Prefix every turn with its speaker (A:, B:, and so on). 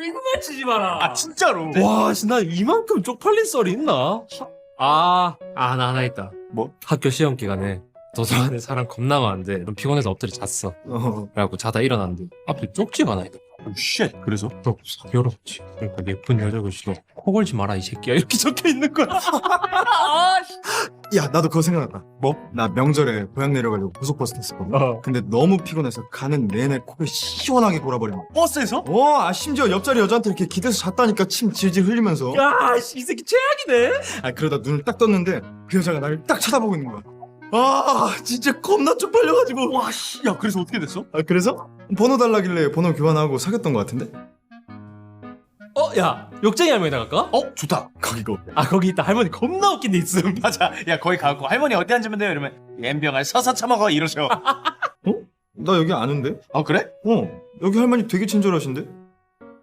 A: 이거만 치지 마라.
B: 아 진짜로?
A: 와, 나 이만큼 쪽팔린 썰이 있나? 나 하나 있다.
B: 뭐?
A: 학교 시험 기간에 도서관에 사람 겁나 많은데 좀 피곤해서 엎드려 잤어. 그래갖고 자다 일어났는데 앞에 쪽지가 하나 있다.
B: 쉣. 그래서?
A: 사겨롭지. 그러니까 예쁜 여자 글씨로 코 걸지 마라 이 새끼야 이렇게 적혀 있는 거야.
C: 야, 나도 그거 생각났다.
B: 뭐?
C: 나 명절에 고향 내려가려고 고속버스 탔었거든. 근데 너무 피곤해서 가는 내내 코를 시원하게 골아버린 거야.
B: 버스에서?
C: 심지어 옆자리 여자한테 이렇게 기대서 잤다니까 침 질질 흘리면서.
A: 야, 이 새끼 최악이네.
C: 그러다 눈을 딱 떴는데 그 여자가 나를 딱 쳐다보고 있는 거야. 진짜 겁나 쪽팔려가지고.
B: 와 씨. 야 그래서 어떻게 됐어?
C: 그래서? 번호 달라길래 번호 교환하고 사귀었던 것 같은데?
A: 야, 욕쟁이 할머니 나갈까?
B: 좋다.
C: 거기 거.
A: 거기 있다. 할머니 겁나 웃긴 데 있음.
B: 맞아. 야 거기 가고 할머니 어디 앉으면 돼요? 이러면 옌병알 서서 처먹어 이러셔.
C: 나 여기 아는데?
B: 그래?
C: 여기 할머니 되게 친절하신데?